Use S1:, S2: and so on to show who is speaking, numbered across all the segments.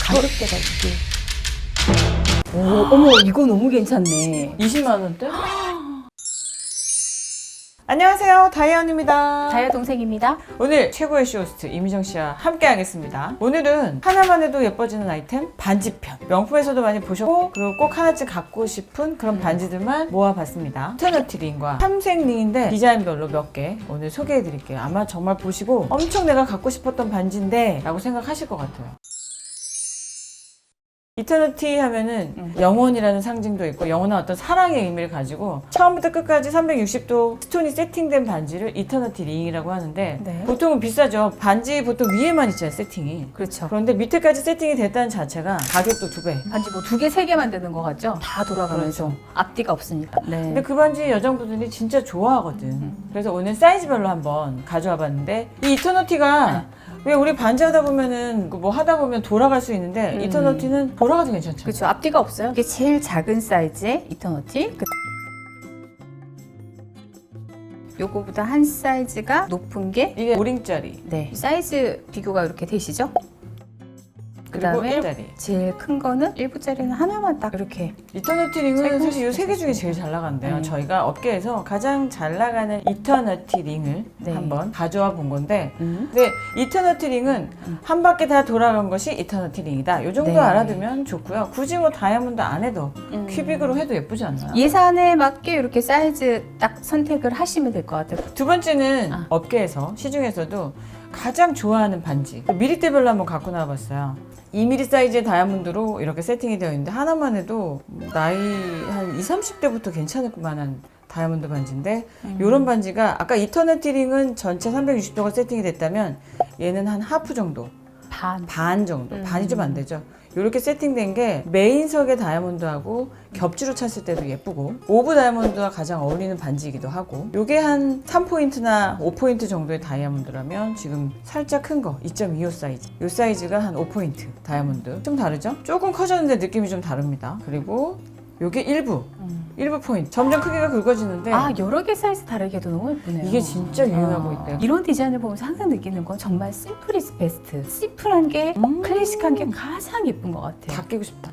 S1: 가격대가 이게. 오, 어머, 이거 너무 괜찮네.
S2: 20만 원대? 안녕하세요, 다이언입니다.
S1: 다이아 동생입니다.
S2: 오늘 최고의 쇼호스트 이미정 씨와 함께 하겠습니다. 오늘은 하나만 해도 예뻐지는 아이템 반지편. 명품에서도 많이 보셨고 그리고 꼭 하나쯤 갖고 싶은 그런 반지들만 모아봤습니다. 이터너티 링과 삼색 링인데 디자인별로 몇 개 오늘 소개해드릴게요. 아마 정말 보시고 엄청 내가 갖고 싶었던 반지인데 라고 생각하실 것 같아요. 이터너티 하면은 영원이라는 상징도 있고 영원한 어떤 사랑의 의미를 가지고 처음부터 끝까지 360도 스톤이 세팅된 반지를 이터너티 링이라고 하는데
S1: 네.
S2: 보통은 비싸죠. 반지 보통 위에만 있잖아요, 세팅이.
S1: 그렇죠.
S2: 그런데 밑에까지 세팅이 됐다는 자체가 가격도 2배.
S1: 반지 뭐 2개, 3개만 되는 것 같죠? 다 돌아가면서.
S2: 그렇죠.
S1: 앞뒤가 없으니까. 네.
S2: 근데 그 반지 여성분들이 진짜 좋아하거든. 그래서 오늘 사이즈별로 한번 가져와 봤는데 이 이터너티가 왜 우리 반지 하다 보면은 뭐 하다 보면 돌아갈 수 있는데 이터너티는 돌아가도 괜찮죠.
S1: 그렇죠. 앞뒤가 없어요. 이게 제일 작은 사이즈의 이터너티. 요거보다 한 사이즈가 높은 게
S2: 이게 5링짜리.
S1: 네. 사이즈 비교가 이렇게 되시죠? 그
S2: 그리고
S1: 다음에
S2: 1짜리.
S1: 제일 큰 거는 1부짜리는 하나만 딱 이렇게.
S2: 이터너티 링은
S1: 살짝
S2: 사실 이 세 개 중에 제일 잘 나간대요.
S1: 네.
S2: 저희가 업계에서 가장 잘 나가는 이터너티 링을
S1: 네.
S2: 한번 가져와 본 건데 근데 이터너티 링은 한 바퀴 다 돌아간 것이 이터너티 링이다. 이 정도
S1: 네.
S2: 알아두면 좋고요. 굳이 뭐 다이아몬드 안 해도 큐빅으로 해도 예쁘지 않나요?
S1: 예산에 맞게 이렇게 사이즈 딱 선택을 하시면 될 것 같아요.
S2: 두 번째는
S1: 아.
S2: 업계에서 시중에서도 가장 좋아하는 반지 미리대별로 한번 갖고 나와봤어요. 2mm 사이즈의 다이아몬드로 이렇게 세팅이 되어 있는데 하나만 해도 나이 한 20, 30대부터 괜찮을 만한 다이아몬드 반지인데 이런 반지가 아까 이터너티 링은 전체 360도가 세팅이 됐다면 얘는 한 하프 정도 반 정도 반이 좀 안 되죠. 이렇게 세팅된 게 메인석의 다이아몬드하고 겹지로 찼을 때도 예쁘고 오브 다이아몬드와 가장 어울리는 반지이기도 하고 이게 한 3포인트나 5포인트 정도의 다이아몬드라면 지금 살짝 큰 거 2.25 사이즈 이 사이즈가 한 5포인트 다이아몬드 좀 다르죠? 조금 커졌는데 느낌이 좀 다릅니다. 그리고 요게 일부 포인트 점점 크기가 굵어지는데
S1: 아, 여러 개 사이즈 다르게 해도 너무 예쁘네요.
S2: 이게 진짜 유행하고 있대요.
S1: 이런 디자인을 보면서 항상 느끼는 건 정말 심플 이즈 베스트. 심플한 게 클래식한 게 가장 예쁜 것 같아요.
S2: 다 끼고 싶다.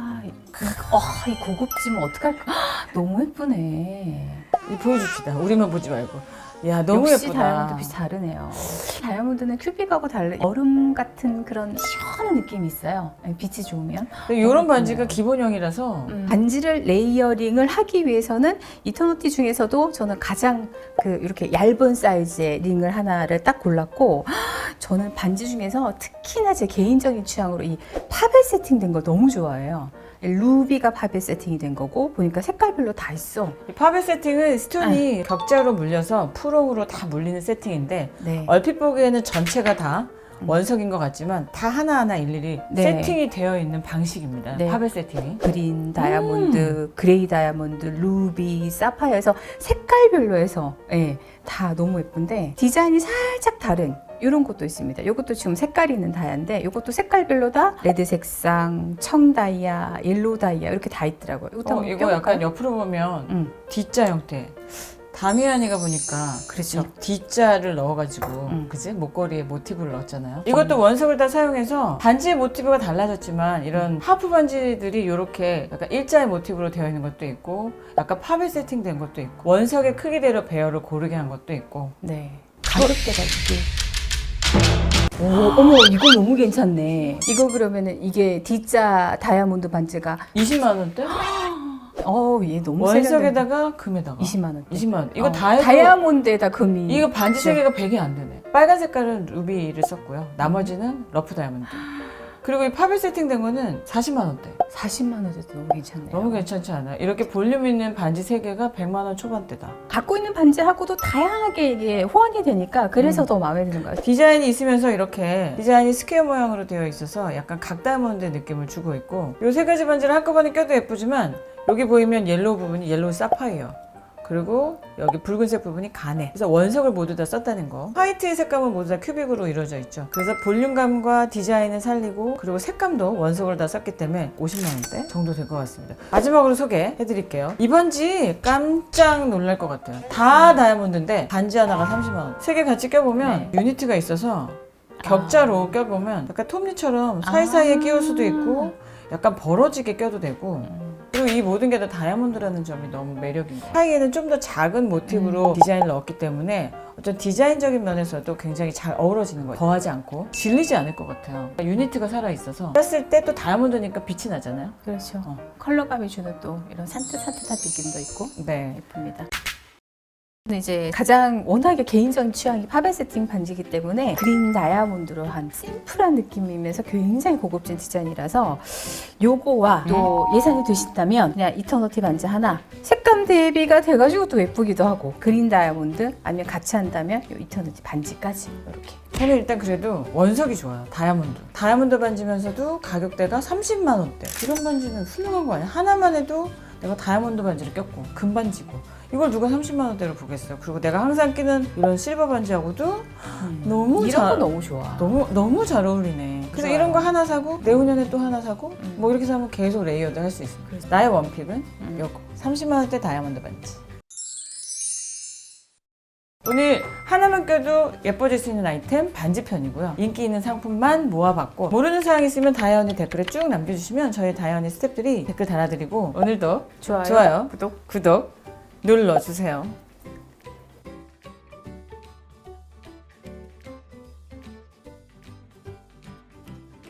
S1: 이 고급지면 어떡할까? 너무 예쁘네.
S2: 이 보여줍시다. 우리만 보지 말고. 야, 너무
S1: 역시
S2: 예쁘다.
S1: 다이아몬드 빛이 다르네요. 다이아몬드는 큐빅하고 달리 얼음 같은 그런 시원한 느낌이 있어요. 빛이 좋으면.
S2: 이런 반지가 기본형이라서
S1: 반지를 레이어링을 하기 위해서는 이터너티 중에서도 저는 가장 이렇게 얇은 사이즈의 링을 하나를 딱 골랐고 저는 반지 중에서 특히나 제 개인적인 취향으로 이 파벨 세팅된 거 너무 좋아해요. 루비가 파벨 세팅이 된 거고 보니까 색깔별로 다 있어.
S2: 이 파벨 세팅은 스톤이 격자로 물려서 프롱으로 다 물리는 세팅인데
S1: 네.
S2: 얼핏 보기에는 전체가 다 원석인 것 같지만 다 하나하나 일일이
S1: 네.
S2: 세팅이 되어 있는 방식입니다.
S1: 네.
S2: 파벨 세팅이.
S1: 그린 다이아몬드, 그레이 다이아몬드, 루비, 사파이어에서 색깔별로 해서 다 너무 예쁜데 디자인이 살짝 다른 이런 것도 있습니다. 이것도 지금 색깔이 있는 다이아인데 이것도 색깔별로 다 레드 색상, 청 다이아, 옐로우 다이아 이렇게 다 있더라고요. 이것도 한번
S2: 이거
S1: 껴볼까요?
S2: 약간 옆으로 보면 D자 형태. 다미안이가 보니까
S1: 그렇죠.
S2: 이 D자를 넣어가지고 그지? 목걸이에 모티브를 넣었잖아요. 이것도 원석을 다 사용해서 반지의 모티브가 달라졌지만 이런 하프 반지들이 이렇게 약간 일자의 모티브로 되어 있는 것도 있고 약간 팝에 세팅된 것도 있고 원석의 크기대로 배열을 고르게 한 것도 있고
S1: 네. 가격대가 이게. 오, 어머, 이거 너무 괜찮네. 이거 그러면은 이게 D자 다이아몬드 반지가
S2: 20만 원대?
S1: 얘 너무
S2: 원석에다가 금에다가
S1: 20만 원.
S2: 20만 원. 이거 다 해도
S1: 다이아몬드에다 금이.
S2: 이거 반지 세 개가 100이 안 되네. 빨간 색깔은 루비를 썼고요. 나머지는 러프 다이아몬드. 그리고 이 팝에 세팅된 거는 40만 원대.
S1: 40만 원대도 너무 괜찮네요.
S2: 너무 괜찮지 않아요? 이렇게 볼륨 있는 반지 3개가 100만 원 초반대다.
S1: 갖고 있는 반지하고도 다양하게 이게 호환이 되니까 그래서 더 마음에 드는 것 같아요.
S2: 디자인이 있으면서 이렇게 디자인이 스퀘어 모양으로 되어 있어서 약간 각 다이아몬드 느낌을 주고 있고 이 세 가지 반지를 한꺼번에 껴도 예쁘지만 여기 보이면 옐로우 부분이 옐로우 사파이어 그리고 여기 붉은색 부분이 가네. 그래서 원석을 모두 다 썼다는 거. 화이트의 색감은 모두 다 큐빅으로 이루어져 있죠. 그래서 볼륨감과 디자인을 살리고 그리고 색감도 원석을 다 썼기 때문에 50만 원대 정도 될 것 같습니다. 마지막으로 소개해드릴게요. 이 반지 깜짝 놀랄 것 같아요. 다 다이아몬드인데 반지 하나가 30만 원. 세 개 같이 껴보면 유니트가 있어서 격자로 껴보면 약간 톱니처럼 사이사이에 끼울 수도 있고 약간 벌어지게 껴도 되고 그리고 이 모든 게 다 다이아몬드라는 점이 너무 매력인 거예요. 사이에는 좀 더 작은 모티브로 디자인을 넣었기 때문에 어떤 디자인적인 면에서도 굉장히 잘 어우러지는 거예요. 더하지 않고 질리지 않을 것 같아요. 유니트가 살아있어서 꼈을 때 또 다이아몬드니까 빛이 나잖아요.
S1: 그렇죠. 컬러감이 주는 또 이런 산뜻산뜻한 느낌도 있고
S2: 네.
S1: 예쁩니다. 저는 이제 가장 워낙에 개인적인 취향이 팝앤 세팅 반지이기 때문에 그린 다이아몬드로 한 심플한 느낌이면서 굉장히 고급진 디자인이라서 요거와 또 예산이 되신다면 그냥 이터너티 반지 하나 색감 대비가 돼가지고 또 예쁘기도 하고 그린 다이아몬드 아니면 같이 한다면 요 이터너티 반지까지 이렇게.
S2: 저는 일단 그래도 원석이 좋아요. 다이아몬드 반지면서도 가격대가 30만 원대. 이런 반지는 훌륭한 거 아니야? 하나만 해도 내가 다이아몬드 반지를 꼈고 금반지고 이걸 누가 30만 원대로 보겠어요. 그리고 내가 항상 끼는 이런 실버 반지하고도 너무
S1: 이런 거 너무 좋아.
S2: 너무 잘 어울리네. 그래서
S1: 좋아요.
S2: 이런 거 하나 사고 내후년에 또 하나 사고 뭐 이렇게 사면 계속 레이어드 할 수 있어요. 나의 원픽은 요거 30만 원대 다이아몬드 반지. 오늘 하나만 껴도 예뻐질 수 있는 아이템 반지편이고요. 인기 있는 상품만 모아봤고 모르는 사항 있으면 다이언니 댓글에 쭉 남겨주시면 저희 다이언니 스태프들이 댓글 달아드리고 오늘도 좋아요, 구독 눌러주세요.